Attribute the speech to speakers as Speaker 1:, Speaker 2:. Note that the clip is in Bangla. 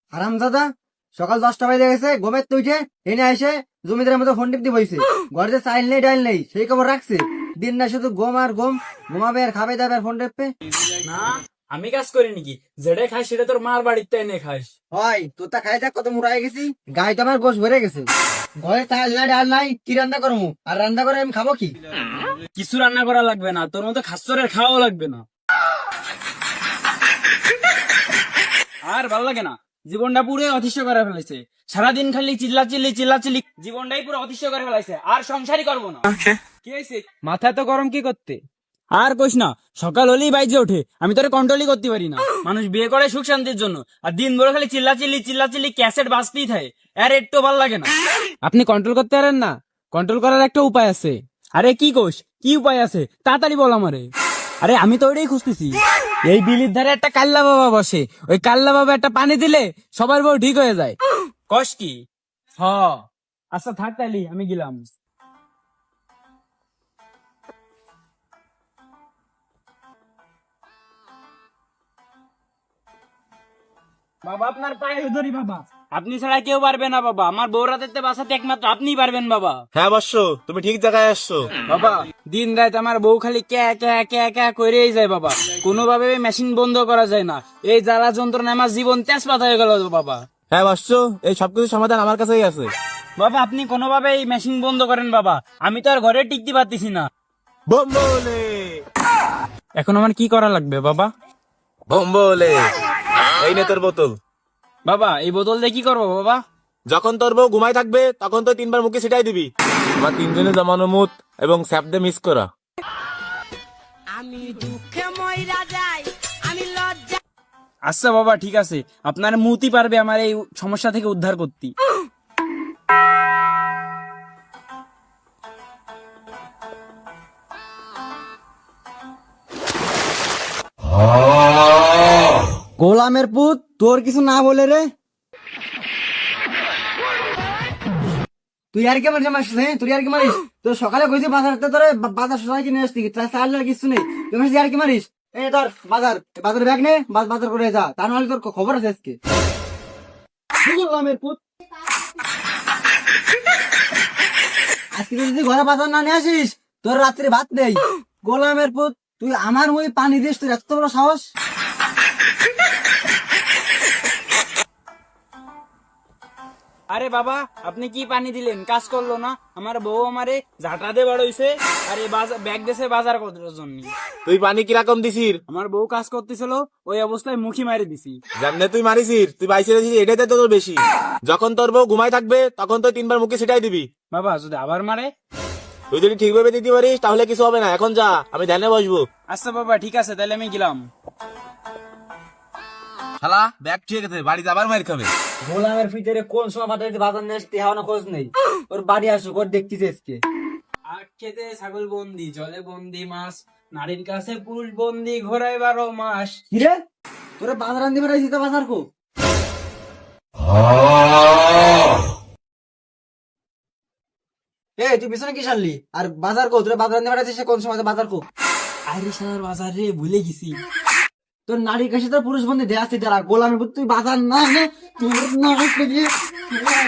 Speaker 1: হারামজাদা, সকাল 10টা বাজে গেছে, ঘুমের তো উঠে এনে এসে জমিদারের মতো ফোন টিপতে বইছে। ঘরে যে চাইল নেই ডাইল নেই সেই খবর রাখছে। দিন না শুধু ঘুম আর ঘুম, ঘুমাবে আর খাবে দাবে আর ফোন টেপবে।
Speaker 2: না, আমি কাজ করি নাকি? যেটা খাস সেটা তোর মার বাড়িতে এনে খাস।
Speaker 1: হয় তোর তা খাই থাক, কত মুড়াই গেছি, গায়ে তো আমার গোশ ভরে গেছে। ঘরে চাইল নাই ডাল নাই, কি রান্না করবো? আর রান্না করে আমি খাবো কি?
Speaker 2: কিছু রান্না করা লাগবে না, তোর মতো খাসরের খাওয়াও লাগবে না। আর ভাল লাগে না, জীবনটা পুরো অতিষ্ঠ করে ফেলেছে। সারাদিন খালি চিল্লাচিল্লি জীবনটাই পুরো অতিষ্ঠ করে ফেলাইছে। আর সংসারই করবো না। কি হয়েছে? মাথা তো গরম কি করতে? আর কইস না, সকাল হলেই বাইজে ওঠে, আমি তোরে কন্ট্রোলই করতে পারি না। মানুষ বিয়ে করে সুখ শান্তির জন্য, আর দিন ভরে খালি চিল্লাচিল্লি ক্যাসেট বাজতেই থাকে। আর একটু ভাল লাগে না। আপনি কন্ট্রোল করতে পারেন না? কন্ট্রোল করার একটা উপায় আছে। আরে কি কোষ, কি উপায় আছে তাড়াতাড়ি বল আমারে। আরে আমি তো ওইটাই খুঁজতেছি। এই বিলির ধারে একটা কাল্লা বাবা বসে, ওই কাল্লা বাবা একটা পানি দিলে সবার বউ ঠিক হয়ে যায়। কষ কি? হ, আচ্ছা থাক তাইলি, আমি গেলাম। বাবা আপনার পায়ে ধরি বাবা, আপনি ছাড়া কেউ পারবে না বাবা। আমার বউ রাতের বাঁচাতে একমাত্র আপনিই পারবেন বাবা।
Speaker 3: হ্যাঁ বর্ষ, তুমি ঠিক জায়গায় আসছো।
Speaker 2: বাবা দিন রাত আমার বউ খালি ক্যা করেই যায় বাবা। কোনোভাবে মেশিন বন্ধ করা যায় না। এই জ্বালা যন্ত্রণা আমার জীবন তেজপাত হয়ে গেল বাবা।
Speaker 3: হ্যাঁ বর্ষ, এই সবকিছু সমাধান আমার কাছেই আছে।
Speaker 2: বাবা আপনি কোনোভাবে এই মেশিন বন্ধ করেন বাবা, আমি তো আর ঘরে টিকতে পারতেছি না।
Speaker 3: বোম্বলে
Speaker 2: এখন আমার কি করা লাগবে বাবা?
Speaker 3: বোম্বলে, এই নে তোর বোতল।
Speaker 2: বাবা এই বোতল দিয়ে কি করবো বাবা?
Speaker 3: যখন তোর বউ ঘুমাই থাকবে তখন তো 3বার মুখে ছিটাই দিবি। আমার 3 জনে জমানো মুত এবং স্যাপদে মিস করা।
Speaker 4: আমি দুঃখে মইরা যাই, আমি লজ্জা।
Speaker 2: আচ্ছা বাবা ঠিক আছে, আপনার মুতি পারবে আমার এই সমস্যা থেকে উদ্ধার করতে।
Speaker 1: গোলামের পুত, তোর কিছু না বলে রে তুই আর কি মারিস? মারিস তুই আর কি মারিস? তোর সকালে কইছি বাজারতে তোরে বাজার সবাই কিনে আসতি, তার চাল আর কিছু নেই, তুই মারিস আর কি মারিস? এই ধর বাজার ব্যাগ নে, বাজার করে যা, তা নাহলে তোর খবর আছে আজকে। গোলামের পুত, আজকে যদি ঘরে বাজার না নিয়ে আসিস তোর রাত্রে ভাত নেই। গোলামের পুত, তুই আমার ওই পানি দিস, তোর এত বড় সাহস?
Speaker 2: আরে বাবা আপনি কি পানি দিলেন? কাজ করলো না? আমার বউ আমারে ঝাঁটা দিয়ে বাড়াইছে, আর এই ব্যাগ দেশে বাজার করার জন্য।
Speaker 3: তুই পানি কিরকম দিছিস?
Speaker 2: আমার বউ কাজ করতেছিল, ওই অবস্থায় মুখি মারি দিছি।
Speaker 3: জানলে তুই মারিসিস, তুই বাইসে দিছিস, এটাই তো তোর বেশি। যখন তোর বউ ঘুমাই থাকবে তখন তো 3বার মুখে ছিটাই দিবি।
Speaker 2: বাবা যদি আবার মারে?
Speaker 3: তুই যদি ঠিকভাবে দিতে পারিস তাহলে কিছু হবে না। এখন যা, আমি ধ্যানে বসবো।
Speaker 2: আচ্ছা বাবা ঠিক আছে, তাহলে আমি গেলাম।
Speaker 3: শালা ব্যাগ ঠিক আছে, বাড়িতে আবার মার খাবে।
Speaker 1: গোলামের ভিতরে কোন সময় বাজারে বাজার নিয়ে আসতে হওয়া খোঁজ নেই। ওর বাড়ি আসুক, ওর দেখতেছে আজকে।
Speaker 2: আখ খেতে ছাগল বন্দি, জলে বন্দি মাছ, নারীর কাছে পুরুষ বন্দি, ঘোড়ায় 12 মাস।
Speaker 1: কিরে, তোরা বাজার আনতে পারাইছিস তো? বাজার কো? তুই পিছনে কি সারলি? আর বাজার কো? তোরা বাজার আনতে পারাইছিস কোন সময়? বাজার কো?
Speaker 2: আরে শালার বাজার রে, ভুলে গেছি।
Speaker 1: তোর নারীর কাছে তোর পুরুষ বন্ধু দেয়া আছে, যারা গোলামের পুত, তুই বাজার না এনে তোর না